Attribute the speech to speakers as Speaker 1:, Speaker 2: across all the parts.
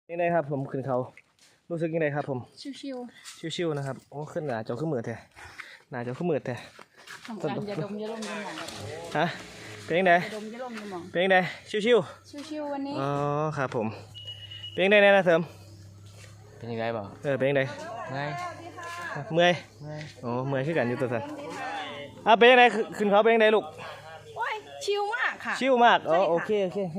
Speaker 1: ยังไงครับผมขึ้นเขารู้สึกยังไงครับผม
Speaker 2: ชิว
Speaker 1: ชิวๆนะครับโอ้ขึ้นหนาจอขึ้นมือแท้หนาจอขึ้นมือแท้
Speaker 2: ๆทำการอย่าดมอย่าลมอย่าหมอง
Speaker 1: ฮะเป็นยังไง
Speaker 2: อย่าดมอย่าลมอย่าหมอง
Speaker 1: เป็นยังไงชิว
Speaker 2: ชิวๆวันนี้
Speaker 1: ๆอ๋อครับผมเป็นยังไงนะเสริม
Speaker 3: เป็นยังไงบ่
Speaker 1: เป็นยังไง
Speaker 3: ไง
Speaker 1: เมื่อยโอ้เมื่อยขึ้นกันอยู่ตัวสันเป็นยังไงขึ้นเขาเป็นยังไงลูก
Speaker 2: โอ้ยชิวมากค่ะ
Speaker 1: ชิวมากอ๋อโอเค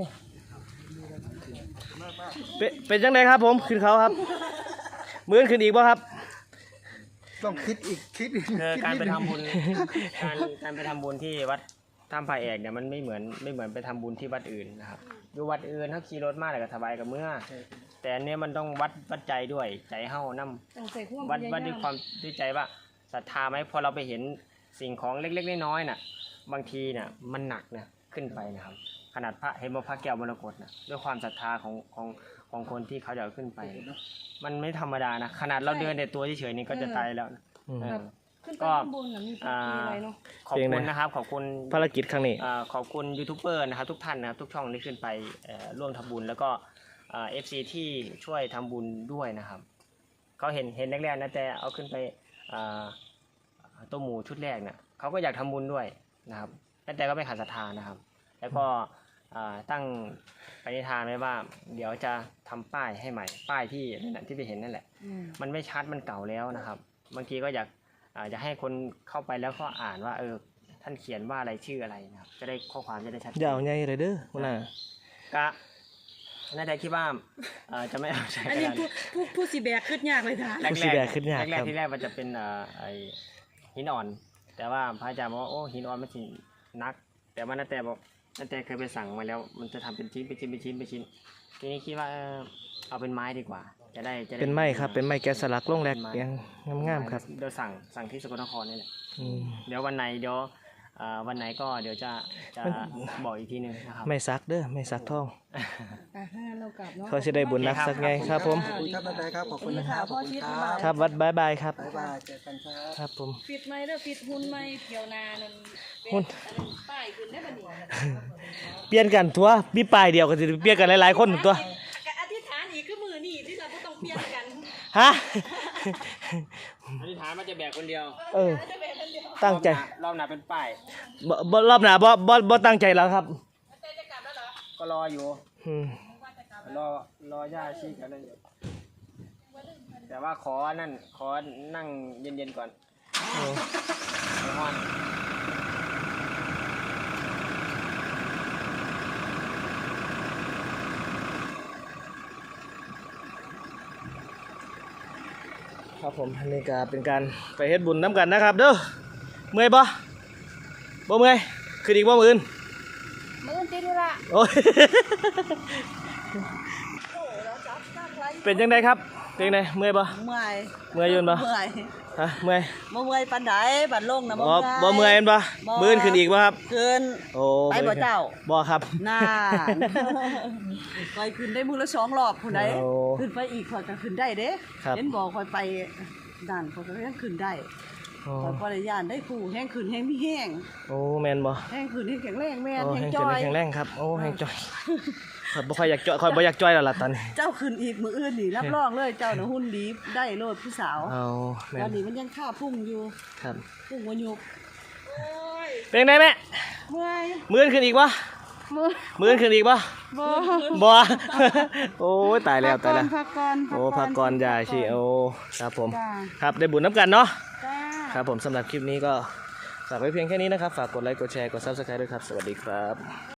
Speaker 1: เป็นยังไงครับผมขึ้นเขาครับมื้อขึ้นอีกป่ะครับ
Speaker 4: ต้องคิดอีก
Speaker 3: การไปทำบุญการไปทำบุญที่วัดถ้ำพระเอกเนี่ยมันไม่เหมือนไปทำบุญที่วัดอื่นนะครับอยู่วัดอื่นถ้าขี่รถมาแล้วก็สบายกับเมื่อแต่อันนี้มันต้องวัดใจด้วยใจเฮานำวัดด้วยความด้วยใจว่าศรัทธาไหมพอเราไปเห็นสิ่งของเล็กๆน้อยๆน่ะบางทีน่ะมันหนักนะขึ้นไปนะครับขนาดพระเห็นว่าพระแก้วมรกตนะด้วยความศรัทธาของคนที่เขาจะขึ้นไปมันไม่ธรรมดานะขนาดเราเดินแต่ตัวเฉยๆนี่ก็จะตายแล้วนะก็ขอบคุณนะครับขอบคุณ
Speaker 1: ภารกิจครั้งนี้
Speaker 3: ขอบคุณยูทูบเบอร์นะครับทุกท่านนะครับทุกช่องที่ขึ้นไปร่วมทำบุญแล้วก็FC ที่ช่วยทำบุญด้วยนะครับเขาเห็นแรกๆนะแต่เอาขึ้นไปตัวหมูชุดแรกเนี่ยเขาก็อยากทำบุญด้วยนะครับแต่ก็ไม่ขาดศรัทธานะครับแล้วก็ตั้งปณิธานไว้ว่าเดี๋ยวจะทำป้ายให้ใหม่ป้ายที่นั่นแหละที่ไปเห็นนั่นแหละมันไม่ชัดมันเก่าแล้วนะครับบางทีก็อยากจะให้คนเข้าไปแล้วก็อ่านว่าท่านเขียนว่าอะไรชื่ออะไรนะครับจะได้ข้อความจะได้ชัด
Speaker 1: ยาวใหญ่เลยเด้อคุณน่ะ
Speaker 3: ก็น่าจะคิดว่าจะไม่เอาใช้
Speaker 2: อันนี้ผู้สีแบกขึ้นยากเลยค่ะ
Speaker 1: แรก
Speaker 3: ที่แรกมันจะเป็นไอหินอ่อนแต่ว่าพระอาจารย์บอกว่าโอ้หินอ่อนมันสินักแต่ว่านาแต่เคยไปสั่งมาแล้วมันจะทำเป็นชิ้นทีนี้คิดว่าเอาเป็นไม้ดีกว่าจะได้
Speaker 1: เป็นไม้ครับเป็นไม้แกะสลักลงแรกยังงามครับ
Speaker 3: เดี๋ยวสั่งที่สกลนครนี่แหละเดี๋ยววันไหนก็เดี๋ยวจะบอกอีกทีนึงนะครับ
Speaker 1: ไม่ซักเด้อไม่ซักท่อง
Speaker 2: เรากลับเนาะ
Speaker 1: เขาจะได้บุญนักสักไงครับผม
Speaker 4: ขอบคุณครับขอบคุณนะครับ
Speaker 1: ครับวัดบายครับ
Speaker 4: บ๊ายบายเจอกัน
Speaker 1: ครับผม
Speaker 2: ฟิตไหมเด้อฟิตหุ่นไหมเที่ยวนานั่น
Speaker 1: หุ่น
Speaker 2: ป้ายขึ้นได้บ่นี่
Speaker 1: เปลี่ยนกันตัวมีป้ายเดียวก็สิเปลี่ยนกันหลายๆคนตัว
Speaker 2: อธิษฐานอีกคือมือนี่ที่เราบ่ต้องเปลี่ยนกัน
Speaker 1: ฮะ
Speaker 3: อธิษฐานมันจะแบกคนเดียว
Speaker 1: ตั้งใจ
Speaker 3: รอบหน้าเป็นป้าย
Speaker 1: รอบหน้าบ่ตั้งใจแล้วครับ
Speaker 3: ก็รออยู่รอย่าชี้กันเลยแต่ว่าขอนั่งเย็นๆก่อน
Speaker 1: ครับผมอันนี้ก็เป็นการไปเฮ็ดบุญน้ำกันนะครับเด้อเมื่อยบ่เมื่อยคืออีกบ่มื้ออื่น
Speaker 2: ติดธุระ
Speaker 1: โอ้ยเป็นจังไดครับเป็นจังไดเมื่อยบ่
Speaker 5: เมื่อย
Speaker 1: อยู่บ่ฮะเมื่อย
Speaker 5: ปานใดบัดลงนะ
Speaker 1: บ่เมื่อยบ่มื้ออื่นขึ้นอีกบ่ครับ
Speaker 5: ขึ้น
Speaker 1: โอ้
Speaker 5: ไปบ่เจ้า
Speaker 1: บ่ครับ
Speaker 5: น่าค่อยขึ้นได้มื้อละ2รอบพุ่นใดขึ้นไปอีกค่อยก็ขึ้นได้เด้เห็นบ่ค่อยไปด้านค่อยก็ยังขึ้นได้ค่อยบ่ได้ย่านได้คู่แห้งขึ้นแห้งมีแห้ง
Speaker 1: โอ้แม่นบ่
Speaker 5: แห้งขึ้นแห้งแข็งแรงแม่นแห้ง
Speaker 1: จ้อยแข็งแรงครับโอ้แห้งจ้อยข่อยบ่ค่อยอยากจ้อยแล้วล่ะตอนนี้
Speaker 5: เจ้าขึ้นอีกมื้ออื่นนี่รับรองเลยเจ้าน่ะหุ่นดีได้โลดผู้สาว
Speaker 1: แม่น
Speaker 5: ตอนนี้มันยังค่าพุ่งอยู่
Speaker 1: ครับ
Speaker 5: พุ่งบ่ยุบ
Speaker 1: เป็นไงแม่
Speaker 5: เมื่อย
Speaker 1: มื้อขึ้นอีกบ่มื้อขึ้นอีกบ่บ่โอ้ยตายแล้ว
Speaker 5: พักก่อน
Speaker 1: โอ้พักก่อนอย่าสิโอ้ครับผมครับได้บุญน้ำกันเนาะครับผมสำหรับคลิปนี้ก็ฝากไว้เพียงแค่นี้นะครับฝากกดไลค์กดแชร์กด Subscribe ด้วยครับสวัสดีครับ